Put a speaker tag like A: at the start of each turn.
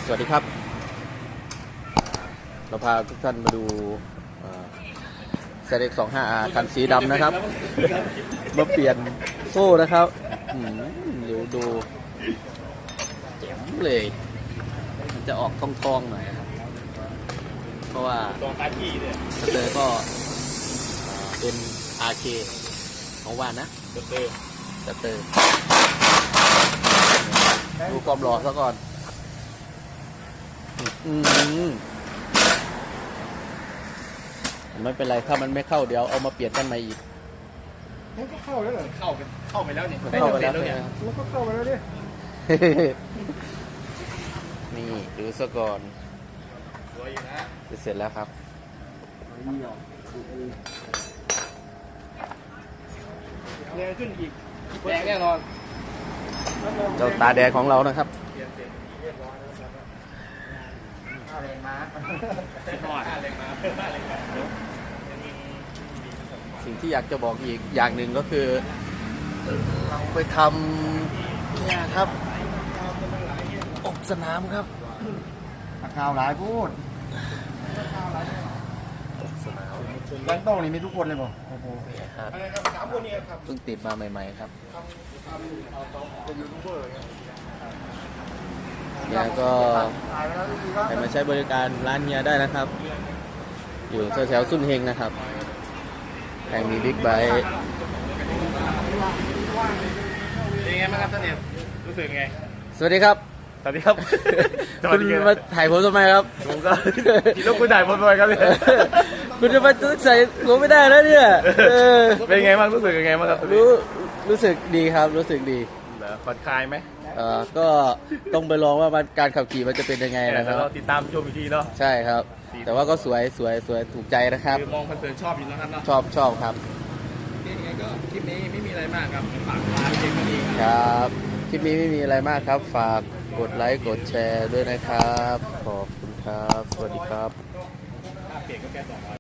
A: สวัสดีครับเราพาทุกท่านมาดูZX 25R คันสีดำนะครับมาเปลี่ยนโซ่นะครับเดี๋ยวดูเจ๋งเลยมันจะออกทองๆหน่อยครับเพราะว่าสเตอร์ก็เป็น RK ของว่านนะสเตอร์ดูความหล่อซะก่อนไม่เป็นไรถ้ามันไม่เข้าเดี๋ยวเอามาเปลี่ยนกันใหม่อีก
B: มันก็เข้าแล้วเหรอเข้าไปแล้วเนี่ย
A: เข้าไปแล้วเนี่ย
B: มันก็เข้าไปแล้วดิ
A: นี่ดูซะก่อนเสร็จแล้วครับ
B: แรงขึ้นอีกแรงแน่นอน
A: เจ้าตาแดงของเรานะครับ
B: แรงม้าแรงม้า
A: สิ่งที่อยากจะบอกอีกอย่างหนึ่งก็คือเราไปทำเนี่ยครับอบสนามครับ
B: ข่าวหลายพูด
A: สนาม
B: ร้านโต้นี่มีทุกคนเลยป่ะโอ้โห
A: ครับเพิ่งติดมาใหม่ๆครับเนี่ยก็ใครมาใช้บริการร้านเฮียได้นะครับอยู่แถวๆซุ่นเฮงนะครับใครมีบิ๊กไบค์
B: เป็นไงบ้างครับท่านเนี่ยรู้สึกไง
A: สวัสดีครับ
B: สวัสดีครับ
A: คุณมาถ่ายผมทำไมครับ
B: ผมก็คิดว่าคุณถ่ายผมทำไมครับเนี่ย
A: คุณจะมาใส่ผมไม่ได้แล้วเนี่ย
B: เป็นไงบ้างรู้สึกยังไงบ้างครับ
A: รู้สึกดีครับรู้สึกดี
B: ผ่อนคลายไหม
A: ก็ต้องไปลองว่าการขับขี่มันจะเป็นยังไงนะครับ
B: เราติดตามชมอีกทีเนาะ
A: ใช่ครับแต่ว่าก็สวยถูกใจนะครับ
B: คือมองเพลินชอบอยู่นะครับเนาะ
A: ชอบครับ
B: ยังไงก็คลิปนี้ไม่มีอะไรมากครับฝากร้านเองก็ดี
A: ครับคลิปนี้ไม่มีอะไรมากครับฝากกดไลค์กดแชร์ด้วยนะครับขอบคุณครับสวัสดีครับ
B: เปลี่ยนก็แค่200